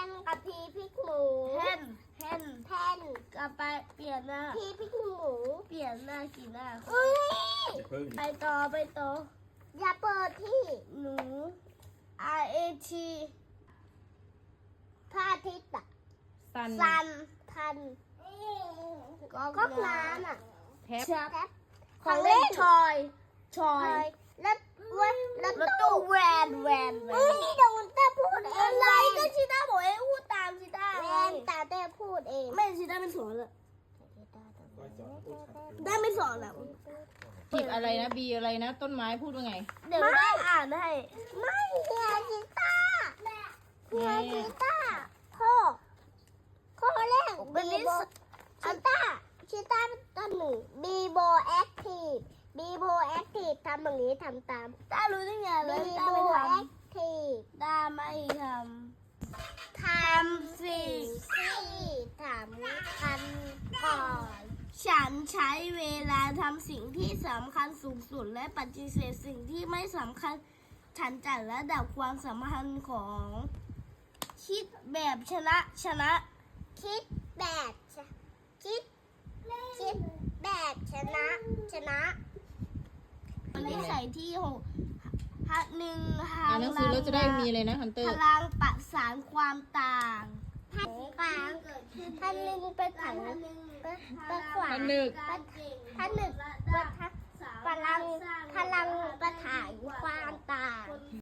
นกับพีพริกหมูแทนกับไปเปลี่ยนหน้าพีพริกหมูเปลี่ยนหน้ากี่หน้าไปต่ออย่าเปิดที่หนู RAT พระอาทิตย์อะซันพันก๊อกน้ำอะแท็บของเล่นชอยแล้วรถตู้แวนนี่เดี๋ยวคุณต้าพูดเองอะไรก็ชิต้าบอกเองพูดตามชิต้าแวนตาเต้พูดเองไม่ชิต้าไม่สอนเลยได้ไม่สอนแล้วจีบอะไรนะบีอะไรนะต้นไม้พูดว่าไงเดี๋ยวได้อ่านให้ไม่เฮียชิต้าข้อแรกบีโบชิต้าต้นหนึ่งบีโบแอคทีฟทำอย่างนี้ทำตามต้ารู้ได้ไงเลยต้าไม่ทำต้าไม่ทำสิ่งที่ทำก่อนฉันใช้เวลาทำสิ่งที่สำคัญสูงสุดและปฏิเสธสิ่งที่ไม่สำคัญฉันจัดระดับความสำคัญของคิดแบบชนะคิดแบบชนะนิสัยที่6หนึ่งอ่านหนังสือแล้วจะได้มีอะไรนะฮันเตอร์พลังประสานความต่างพันหนึ่งเป็นถังเป็นขวานพันหนึ่งพลังประถ่ายความต่าง